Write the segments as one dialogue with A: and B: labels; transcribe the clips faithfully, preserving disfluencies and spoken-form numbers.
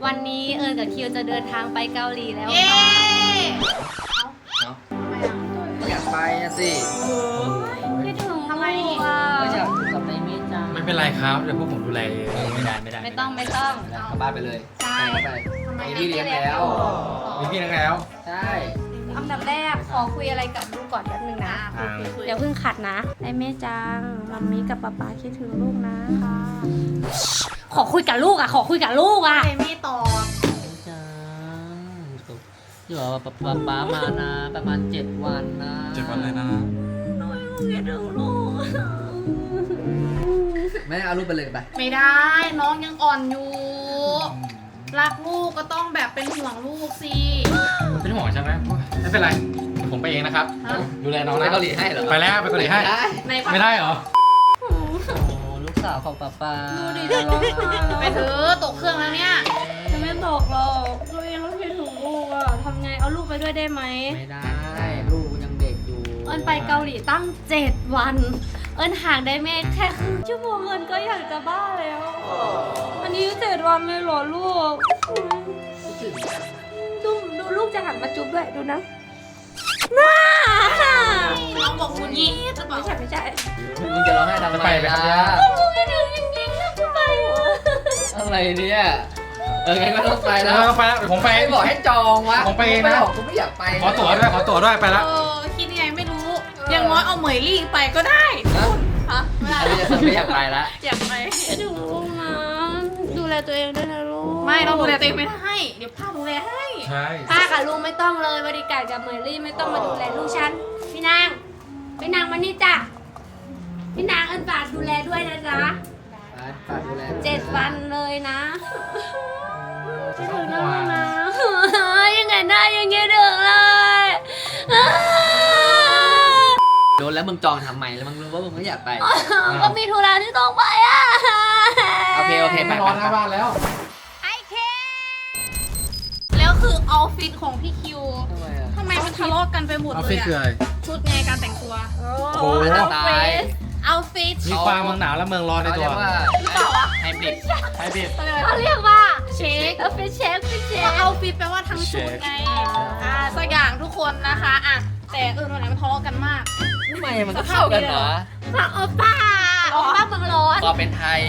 A: วันนี้เอิญกับคิวจะเดินทางไปเกาหลีแล้ว
B: เย้
A: ค่ะ
C: อยากไปอะสิ
A: คิดถึง
B: ทำไม
A: อ่ะ
C: ไม่อยากอยู่กับนายเมฆจัง
D: ไม่เป็นไรครับเดี๋ยวพวกผมดูแลเอง
C: ไม่ได้ไม่ได้
A: ไม่ต้องไม่ต้อง
C: แล้วกลับบ้านไปเลย
A: ใช่
C: ไปไป
B: ทำไม
C: มีพี่เลี้ยงแล้ว
D: มีพี่นักแล้ว
C: ใช่
A: อันดับแรกขอคุยอะไรกับลูกก่อนแป๊บนึงนะ
D: อ่า
A: เดี๋ยวเพิ่งขัดนะไอ้แม่จังมัมมี่กับป๊าป๊าคิดถึงลูกนะค่ะขอคุยกับลูกอ่ะขอคุยกับลูกอ่ะ
B: ใครไม่ตอบ
C: จังอยู่กับป๊าป๊ามานะประมาณเจ็ดวันนะ
D: เจ็ดวันเลยนะ
A: คิดถึงลูก
C: แม่เอารูปไปเลยไป
B: ไม่ได้น้องยังอ่อนอยู่ รักลูกก็ต้องแบบเป็นห่วงลูกสิ
D: เป็นห่วงใช่ไหมไม่เป็นไรเดี๋ยวผมไปเองนะครับ
B: ฮะ
D: ดูแลน้อง
C: ไป
D: นะ
C: เกาหลีให้เหรอ
D: ไปแล้วไปเกาหลีให้
C: ไม่ได้
B: ใน
D: ไม่ได้เหรอ
C: โอ้ลูกสาวของป๊าป๊า
A: ดูดิจะร้องไห้
B: ไปเถอะตกเครื่องแล้วเนี่ย
A: จะไม่ตกหรอกตัวเองต้องคิดถึงลูกอ่ะทำไงเอาลูกไปด้วยได้ไหม
C: ไม่ได้ลูกยังเด็กอยู่
A: เอิญไปเกาหลีตั้งเจ็ดวัน เอิญห่างได้แม่แค่ครึ่งชั่วโมงเอิญก็อยากจะบ้าแล้ว อันนี้เจ็ดวันเลยเหรอลูก
C: คิดถึงจัง
A: ดูดูลูกจะหันมาจุ๊บด้วยดูนะน่า
B: น้องบอกคุณยี่หรือเปล่า
A: ไม่ใช่ไม่ใช่
C: มึงจะร้องไห้ทำไม
D: จะไปไหมครับเนี่ย
A: ลูกไม่ถึงจริงๆนะทำไมวะ
C: อะไรเนี่ยเอองั้นก็ต้องไป
D: ไป
C: แล้
D: แล้ว วไปแล้วเดี๋ยวผมไป
C: ไปบอกให้จองวะ
D: ผมไปเองนะ
C: ไม่บอกกูไม่อยากไป
D: ขอตั๋วด้วยขอตั๋วด้วยไปแล้ว
B: เออคิดยังไงไม่รู้ อย่างน้อยเอาเหมยลี่ไปก็ได้
C: นะ
B: ฮะไม่ได้
C: อันนี้ไม่อยากไปละ
B: อยากไป
A: คิดถึงลูกนะดูแลตัวเองด้วยนะลูก
B: ไม่เราดูแลตัวเองไม่ได้เดี๋ยวป้าดูแลให้
D: ใช่
A: ป้ากับลุงไม่ต้องเลยบริการกับเมอรี่ไม่ต้องมาดูแลลูกฉันพี่นางพี่นางมานี่จ้ะพี่นางเอิญฝากดูแลด้วยนะจ๊ะ
C: ไปฝากดูแล
A: เจ็ดวันเลยนะคิดถึงนะลูกนะ ยังไงได้ยังไงถึงเลย
C: โดนแล้วมึงจองทำไมแล้วมึงรู้ว่ามึงไม่อยากไป
A: ก็มีธุระที่ต้องไปอ่ะ
C: โอเคโอเคไป
D: ไม่รอหน้าบ้านแล้ว
A: ไอเค
B: แล้วคือออฟฟิศของพี่คิว
C: ทำไมอ่ะ
B: ทำไมมันทะเลาะกันไปหมด
D: ออฟ
B: เล
D: ฟิ
B: ย
D: ศคืออะไร
B: อะชุดไงการแต่งตัว
A: โอ้
D: โอ้โห
C: ตาย
B: เอาฟิต
D: มีความเมืองหนาวและเมืองร้อนใน
C: เขา
D: ตั
C: เรี
D: วย
C: กว่า
B: หรือเปล่าวะ
C: ไฮบริด
D: ไฮบริด
A: เขาเรียกว่า
B: เช็ค
A: เออเป็นเชฟเป็นเช
B: ก็
A: ฟ
B: เอาฟิตแปลว่าทั้งชุดไง อ่าสักอย่างทุกคนนะคะอ่ะแต่เออวันไหนมันทะเลาะกันมาก
C: ทำไมมันก็เข้ากันเหรอ
A: ฝั่งโอป้าโอป้าเมืองร้อน
C: ก็เป็นไทย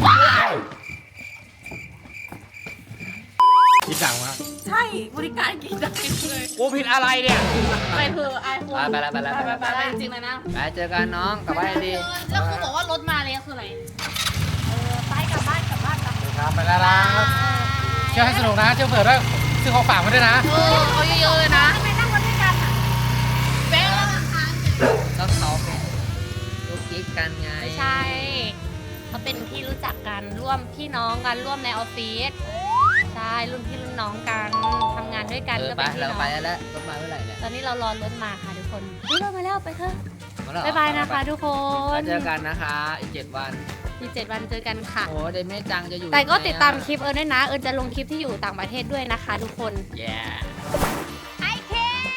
D: คิดดังมาก
B: ใช่บริการกี่ดังเลย
D: กูผิดอะไรเนี่ย
B: ไปเถอะไอโฟน
C: ไปแล้วไปแล้ว
B: ไป
C: ไป
B: ไป
C: แล้ว
B: ไปจริงๆเลยนะ
C: ไปเจอกันน้องกลับบ้านดี
B: แล้วคือบอกว่ารถมาเลยคืออะไร
A: เออไปกลับบ้านกลับบ้านกลับ
D: ครับไปแล้วนะเที่ยวให้สนุกนะเที่ยวเผื่อด้วยซื้อของฝากมาด้วยนะ
B: เออเอาเยอะๆเลยนะ
A: ทำไมนั่งรถด้วยกันอ่ะ
B: แบงค์ละทาง
C: ก็เขาเป็นลูกกิ๊กกันไง
A: ไม่ใช่เขาเป็นที่รู้จักกันร่วมพี่น้องกันร่วมในออฟฟิศใช่รุ่นพี่รุ่นน้องกันทำงานด้วยกัน
C: เออ
A: ก็
C: ไป
A: เป็นพี่
C: เรา
A: น้อง
C: ไปแล้วรถมาเมื่อไหร่เนี่ย
A: ตอนนี้เรารอรถมาค่ะทุกคนนี่รถมาแล้วไปเถอะ
C: มาแล้วเหรอ
A: บ๊ายบายนะคะทุกค
C: ไป
A: น
C: เจอกันนะคะอีกเจ็ดวัน
A: มีเจ็ดวันเจอกันค่ะ
C: โอ้เดเมจังจะอยู่
A: แต่ก็
C: ไหนอะ
A: ติดตามคลิปเอิญด้วยนะ เอิญจะลงคลิปที่อยู่ต่างประเทศด้วยนะคะทุกคน
C: แย่
A: ไอเค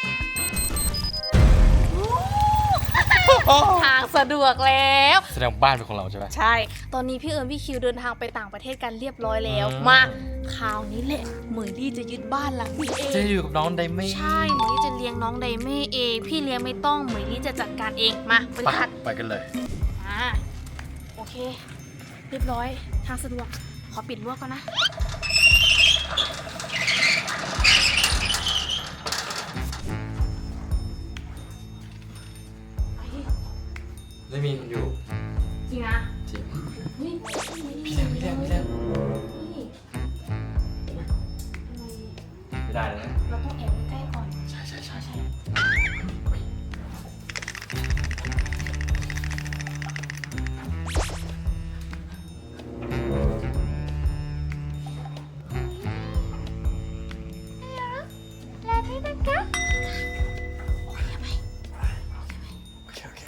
A: ทางสะดวกแล้ว
D: แสดงบ้านเป็นของเราใช่ไหม
B: ใช่ ตอนนี้พี่เอิญพี่คิวเดินทางไปต่างประเทศกันเรียบร้อยแล้ว
D: อืม
B: มาคราวนี้แหละเหมยลี่จะยึดบ้านหลังนี้เอ
D: จะ
B: ง
D: อยู่กับน้องไดเม่
B: ใช่เหมยลี่จะเลี้ยงน้องไดเม่เอง พี่เลี้ยงไม่ต้องเหมยลี่จะจัดการเองมาบริ
D: ไป
B: ษัท
D: ไปกันเลย
B: อ่าโอเค เรียบร้อยทางสะดวกขอปิดรั้วก่อนนะ
D: ได้มีคนอยู่
B: จริงนะ
D: จริง
B: เฮ้ย
D: พี่เลี้ยงพี่เลี้ยงพี่เลี้ยง
B: นี่ทำไม
D: ไม่ได้แล้วนะ
B: เราต้องแอบใกล้ๆก่อน
D: ใช่ใช่ใช่ใช่
A: แล้วนี่นะคะ
D: โอเคโอเค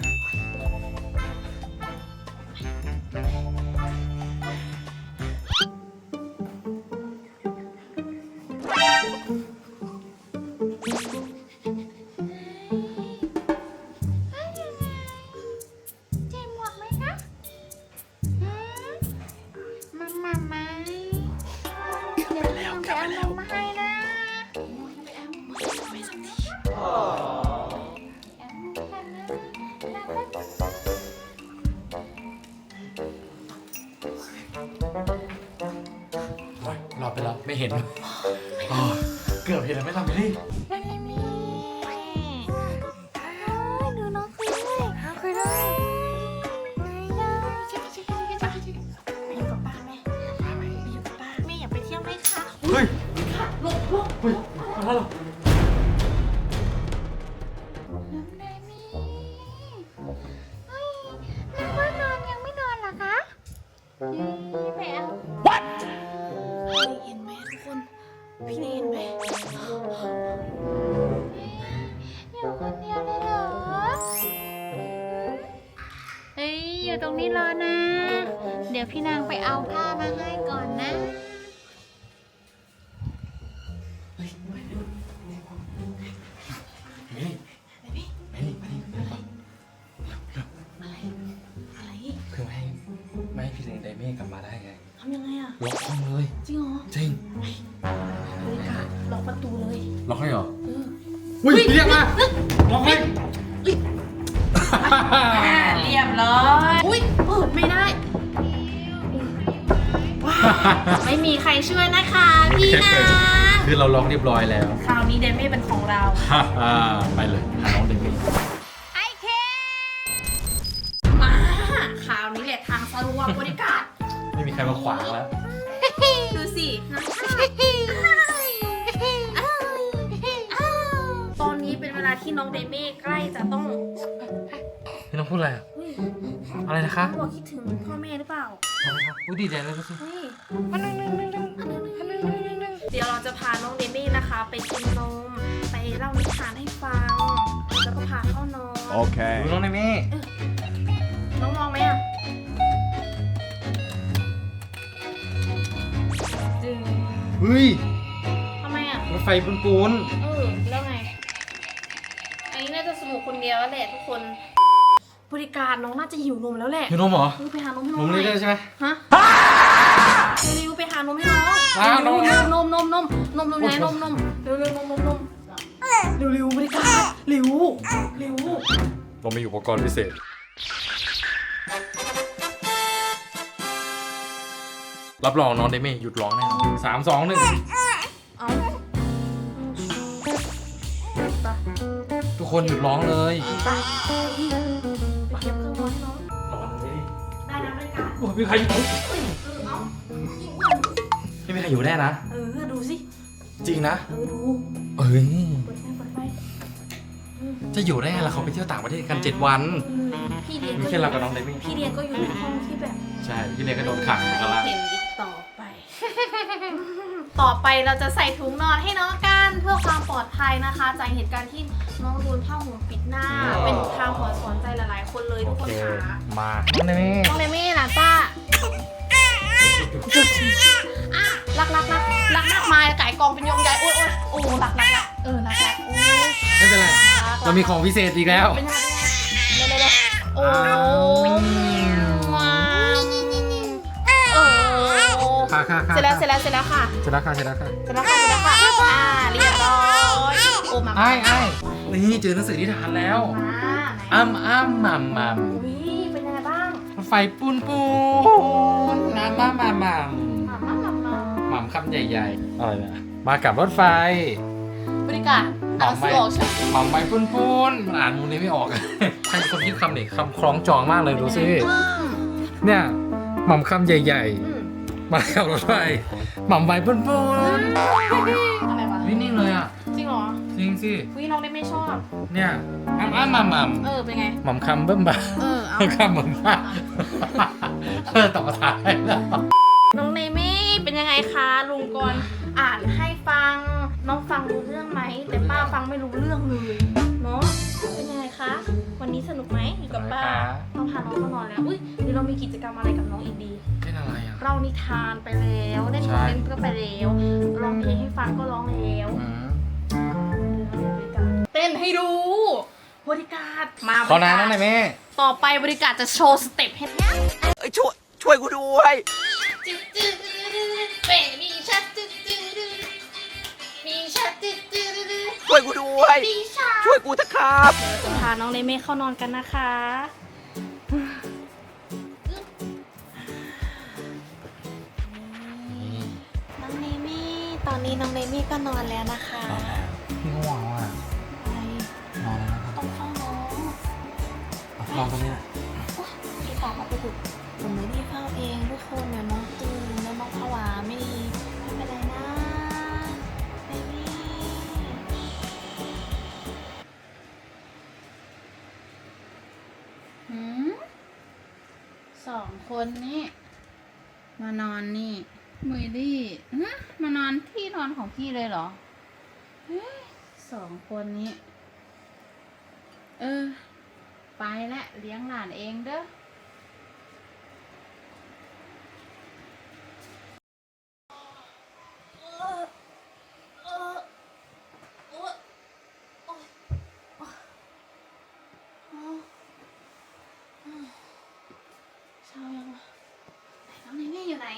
D: ลับไปแล้วไม่เห็นอ๋อเกือบเห็นแล้วไม่หลับเลย
A: ดูน้องคุยด้วยคุยด้วย
B: ไปอยู่กับป้าแม่ไปอยู่กับป้าแม่อยากไปเที่ยวไหมคะ
D: เฮ้ย
B: หลบหลบ
D: เฮ้ยมาแล้วเหรอ
A: น้องเดมี่เฮ้ยแล้วว่านอนยังไม่นอนเหรอคะแมว
B: เห็นไหมทุกคนพี่เนยเห็นไหม
A: อยู่คนเดียวเลยเหรอเฮ้ยอยู่ตรงนี้รอนะ เดี๋ยวพี่นางไปเอาผ้ามาให้ก่อนนะ
D: เฮ้ยเฮ้ยเฮ้ย
B: อะไร
D: คือไม่ให้ไม่ให้พี่เลนไดเม่กลับมาได้ไง
B: ทำยังไงอะ
D: ล็อกห้องเลย
B: จริงเหรอ
D: จริง
B: บริการล็อกประตูเลย
D: ล็อกให้เหรอ
B: เออ
D: อุ้ยเรียกมาล็อกให้
B: เรียบร้อยอุ้ยเปิดไม่ได้ว้าวไม่มีใครช่วยนะคะพี่นาง
D: คือเราล็อกเรียบร้อยแล้ว
B: คราวนี้เดมี่เป็นของเรา
D: ไปเลยหาน้องเดมี่
A: ไอเค
B: มาคราวนี้แหละทางสะดวกบริการ
D: ไม่มีใครมาขวางแล้ว
B: ดูสิน้ำชาตอนนี้เป็นเวลาที่น้องเดมี่ใกล้จะต้อง
D: พี่น้องพูดอะไรอ่ะ
B: เฮ้ย
D: อะไรนะคะ
B: เขาบอกคิดถึงพ่อแม่หรือเปล่า
D: อะไรครับอุ้ยดีใจเลยก็สิ
B: เฮ้ยเดี๋ยวเราจะพาน้องเดมี่นะคะ ไปกินนม ไปเล่านิทานให้ฟัง แล้วก็พาเข้านอน
D: ดูน้องเดมี่
B: น้องมองไหมอ่ะดึง
D: เฮ้ย
B: ทำไมอ่ะ
D: รถไฟปูนปูน
B: เออ แล้วไง อันนี้น่าจะสนุกคนเดียวแล้วแหละทุกคน บริการน้องน่าจะหิวนมแล้วแหละ
D: หิวนมเหรอ
B: รีบไปหานมให้
D: น
B: น้อง
D: ม
B: หน่
D: นี่
B: อย
D: ได้ใช่ไหม
B: ฮะเร็วๆไปหานมให้น้อง
D: อ้าวนม
B: เร็วๆนมนมนมนมนมไหนนมนมเร็วเร็วนมนมนมเร็วเร็วบริการเร็วเร็ว
D: เรามีอุปกรณ์พิเศษ รับรองน้องเดมี่หยุดร้องแน่นอนสามสองหนึ่ง
B: เอาไป
D: ทุกคนหยุดร้องเลย
B: ไปไปเก็บเครื่องนอนให้น้อง
D: ร้องเลย
B: ได้นะบริการ
D: โอ้ยมีใครอยู่
B: เออเอา
D: ไม่มีใครอยู่แน่นะ
B: เออดูสิ
D: จริงนะ
B: เออดู
D: เอ้ย
B: เปิดไฟเปิดไฟ
D: จะอยู่ได้ไงล่ะเขาไปเที่ยวต่างประเทศกันเจ็ดวัน
B: พี่เรียน
D: มี
B: ก็
D: แค่เรากับน้องเดมี่
B: พี่เรียนก็อยู่ในห้องที่แบบ
D: ใช่ พี่เลก็โดนขังอยู่ข้างล่าง
B: เห็นอีกต่อไป ต่อไปเราจะใส่ถุงนอนให้น้องกันเพื่อความปลอดภัยนะคะ จากเหตุการณ์ที่น้องโดนผ้าห่มปิดหน้า เป็นทางหัวสอนใจหลายๆ คนเลย
D: โอ
B: ทุกค
D: เคน
B: ค่ะ
D: มา น้องเดมี่
B: น้องเลมี่นะป้ารักรักรักรักรักมาไก่กองเป็นยงใหญ่โอ้ยโอ้ยโอ้รักรักรักเออรักรักโอ้ย
D: ไม่เป็นไร เรามีของพิเศษอีกแล้ว
B: เป็นยังไงเร็วเร็วเร็วโอ้ว้าวเออ
D: ค่ะค่ะค่ะ
B: เสร็จแล้วเสร็จแล้วเสร็จแล้วค่ะ
D: เสร็จแล้วค่ะเสร็จแล้วค่ะ
B: เสร็จแล้วค่ะเสร็จแล้วค่ะอ่าเรียบร้อยโอ้มา
D: ไอ้ไอ้นี่เจอหนังสือนิทานแล้ว
B: มาไหน
D: อ้ำอ้ำมัมมัม
B: อุ้ยเป็นยังไงบ้าง
D: รถไฟปูนปูนน้ำมามามัม
B: มามามามา
D: หม่ำคำใหญ่ๆอะไรนะมากับรถไฟ
B: บริการอ่านหนังสือออกใช่ไหม
D: หม่ำใบปูนปูนมันอ่านมูนี้ไม่ออก ใครเป็นคนคิดคำนี่คำคล้องจองมากเลยดูสิ
B: อืม
D: เนี่ยหม่ำคำใหญ่
B: อืม
D: ๆ มากับรถไฟหม่ำใบปูนปูน
B: อะไรวะ
D: นิ่งๆเลยอ่ะ
B: จริงเหรอ
D: จริงสิ
B: อุ้ยน้องได้ไม่ชอบ
D: เนี่ยอ้ำอ้ำมัมมัม
B: เออเป็นไง
D: หม่ำคำเบิ่มบ่า
B: เออเอา
D: หม่ำคำเบิ่มบ่าเออต่อท้ายแล้ว
B: น้องเนมี่เป็นยังไงคะลุงกรณ์อ่านให้ฟัง น้องฟังรู้เรื่องไหม แต่ป้าฟังไม่รู้เรื่องเลยเนาะเป็นยังไงคะ วันนี้สนุกไหมอยู่กับป้าเราพาน้องเข้านอนแล้วอุ้ยเดี๋ยวเรามีกิจกรรมอะไรกับน้องอีกดี
D: เป็นอะไรอ่ะ
B: เล่านิทานไปแล้วเล่น
D: ใช่
B: เล่นก็ไปแล้วร้องเพลงให้ฟังก็ร้องแล้ว
D: อืม
B: เต้นให้ดูบริการมา
D: ขอน้ำหน่อยแม่
B: ต่อไปบริการจะโชว์สเต็ปให้
E: เอ้ยช่วยช่วยกูด้วย
B: จืดจืดเป๋มีชัดจืดจืดมีชัดจืดจืด
E: ช่วยกูด้วย
B: มีชัด
E: ช่วยกูเถอะครับ
B: จะพาน้องเลเม่เข้านอนกันนะคะน้องเลเม่ตอนนี้น้องเนมี่ก็นอนแล้วนะคะ
D: พี่ก็หวังว่า
B: อะไร
D: นอนแล้วนะครับ
B: ต้องเฝ้าน้อง
D: นอนตรงนี้แหละ
B: พี่ตามมาไปถูกผมไม่ได้เฝ้าเองทุกคนเดี๋ยวน้องตื่นแล้วน้องผวาไม่ดีไม่เป็นไรนะเนมี่
F: หืมสองคนนี่มานอนนี่มุยลี่ฮะมานอนที่นอนของพี่เลยเหรอเฮ้ยสองคนนี้ เออ ไปละเลี้ยงหลานเองเด้อ
B: เช้ายังวะน้องเนมี่อยู่ไหน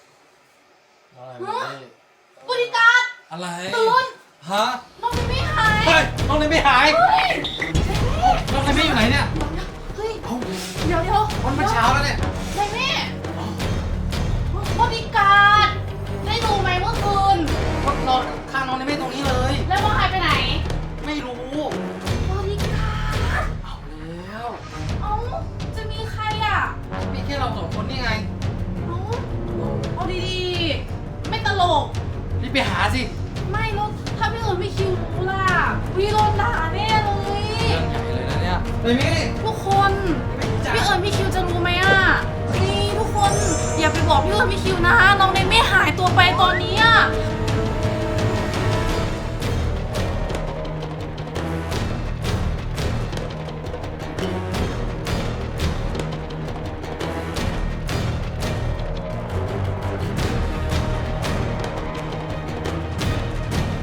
D: บริการอะไรตื่นฮะ
B: น้องเนมี่หาย
D: เฮ้ยน้องเลยไม่หายน้องเลยไม่อยู่ไหนเนี่ย
B: เฮ้ย
D: เอ้า
B: เดี๋ยวเดี๋ยว
D: วันมันเช้าแล้วเนี่ย
B: เนมี่บริการได้ดูไหมเมื่อคืน
D: ก็นอนข้างน้องเลยไม่ตรงนี้เลย
B: แล้วน้องหายไปไหน
D: ไม่รู้
B: บริการ
D: เอาแล้ว
B: เอ้าจะมีใครอ่ะ
D: มีแค่เราสองคนนี่ไง
B: เอ้าเอาดีๆ ไม่ตลก
D: รีบไปหาสิ
B: ไม่แล้วถ้าพี่เอิญไม่คิวล่ะพี่โดนด่าแน่เลย
D: เรื่องใหญ่เลยนะเนี่ยเลยมี่
B: ทุกคนพี่เอิญพี่คิวจะรู้ไหมอ่ะนี่ทุกคนอย่าไปบอกพี่เอิญพี่คิวนะน้องเนมไม่หายตัวไปตอนนี้อ่ะ